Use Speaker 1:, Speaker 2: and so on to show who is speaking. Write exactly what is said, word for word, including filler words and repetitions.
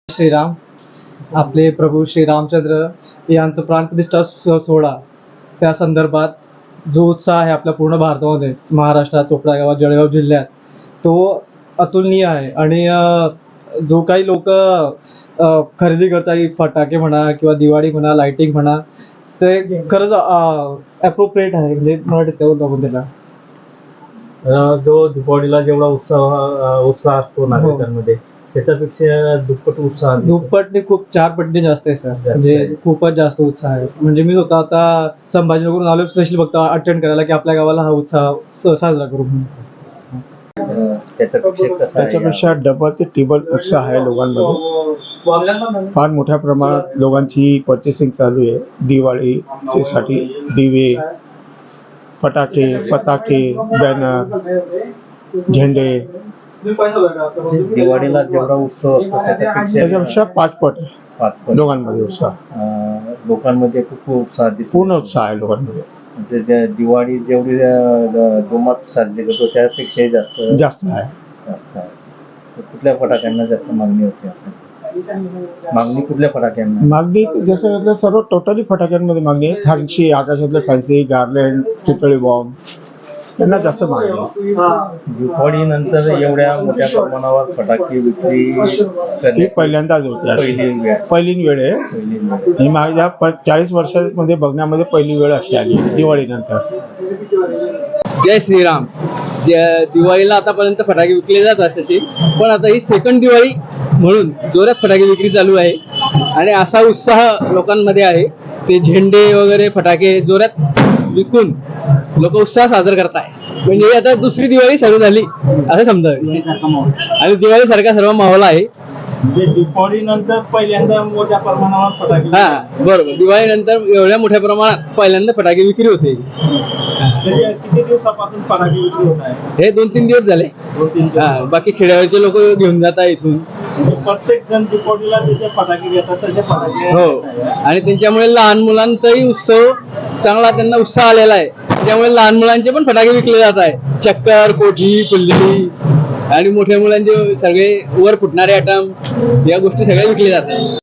Speaker 1: श्रीराम आपले प्रभू श्री रामचंद्र यांचं प्राणप्रतिष्ठा स- सोहळा त्या संदर्भात जो उत्साह आहे आपल्या पूर्ण भारतामध्ये, महाराष्ट्रात, चोपडा गावात, जळगाव जिल्ह्यात, तो अतुलनीय आहे. आणि अ, जो काही लोक खरेदी करतात, फटाके म्हणा किंवा दिवाळी म्हणा, लाइटिंग म्हणा, ते खरंच ॲप्रोप्रिएट आहे. म्हणजे मराठीत काय बोलतो आपण त्याला,
Speaker 2: अ, जो दिवाळीला जेवढा उत्साह अ, उत्साह असतो नागरिकांमध्ये त्याच्यापेक्षा दुप्पट उत्साह दिसतो.
Speaker 1: दुप्पटने खूप चार पटीने जास्त आहे सर. म्हणजे
Speaker 2: आहे.
Speaker 1: खूपच जास्त उत्साह आहे. म्हणजे मी स्वतः आता संभाजीनगरून आलो स्पेशली फक्त अटेंड करायला की आपल्या गावाला हा उत्साह स- साजरा करू म्हणून.
Speaker 2: अ, त्याच्यापेक्षा कसं आहे?
Speaker 3: त्याच्यापेक्षा डबल ते टिबल उत्साह आहे लोकांमध्ये. फार मोठ्या प्रमाणात लोकांची पर्चेसिंग चालू आहे दिवाळीचे साठी. दिवे, फटाके, पताके, बॅनर, झेंडे,
Speaker 2: दिवाळीला जेवढा उत्सव असतो त्याच्यापेक्षा
Speaker 3: त्याच्यापेक्षा पाच पट आहे
Speaker 2: पाच पट.
Speaker 3: लोकांमध्ये उत्साह.
Speaker 2: अ, लोकांमध्ये खूप उत्साह दिसतो.
Speaker 3: पूर्ण उत्साह आहे लोकांमध्ये.
Speaker 2: म्हणजे त्या दिवाळी जेवढी अ, जोमात साजरी करतो त्यापेक्षाही जास्त
Speaker 3: जास्त आहे.
Speaker 2: जास्त आहे. तर कुठल्या फटाक्यांना जास्त मागणी होते आपल्याला? मागणी कुठल्या फटाक्यांना?
Speaker 3: मागणी जसं म्हटलं सर्व टोटली फटाक्यांमध्ये मागणी आहे. फॅन्सी, आकाशातले फॅन्सी, गार्लँड, चितळी बॉम्ब त्यांना जास्त मागणी आहे.
Speaker 2: दिवाळीनंतर एवढ्या मोठ्या प्रमाणावर फटाके विक्री
Speaker 3: ही
Speaker 2: करणे
Speaker 3: पहिल्यांदाच होते.
Speaker 2: पहिली वेळ
Speaker 3: पहिली वेळ आहे
Speaker 2: पहिली वेळ.
Speaker 3: ही माझ्या प- चाळीस वर्षामध्ये बघण्यामध्ये पहिली वेळ अशी आली दिवाळीनंतर.
Speaker 4: जय श्रीराम. जे दिवाळीला आतापर्यंत फटाके विकले जात असायचे, पण आता ही सेकंड दिवाळी म्हणून जोरात फटाके विक्री चालू आहे आणि असा उत्साह लोकांमध्ये आहे. ते झेंडे वगैरे फटाके जोरात विकून लोक उत्साह साजरा करताय. म्हणजे आता दुसरी दिवाळी सुरू झाली असं समजा. आणि दिवाळी सारखा सर्व माहोल आहे.
Speaker 2: म्हणजे दिवाळीनंतर पहिल्यांदा मोठ्या प्रमाणावर फटाके
Speaker 4: हा बरोबर, दिवाळीनंतर एवढ्या मोठ्या प्रमाणात पहिल्यांदा फटाके विक्री होते.
Speaker 2: किती दिवसापासून फटाके विक्री होत आहे?
Speaker 4: हे दोन तीन दिवस झाले.
Speaker 2: दोन तीन
Speaker 4: हा, बाकी खेड्यावरचे लोक घेऊन जात आहे इथून.
Speaker 2: प्रत्येक जण दिवाळीला जसे फटाके घेतात तसे फटाके
Speaker 4: हो, आणि त्यांच्यामुळे लहान मुलांचाही उत्सव चांगला, त्यांना उत्साह आलेला आहे. त्यामुळे लहान मुलांचे पण फटाके विकले जात आहे. चक्कर, कोठी, फुल्ली आणि मोठ्या मुलांचे सगळे वर फुटणारे आयटम या गोष्टी सगळ्या विकले जात आहेत.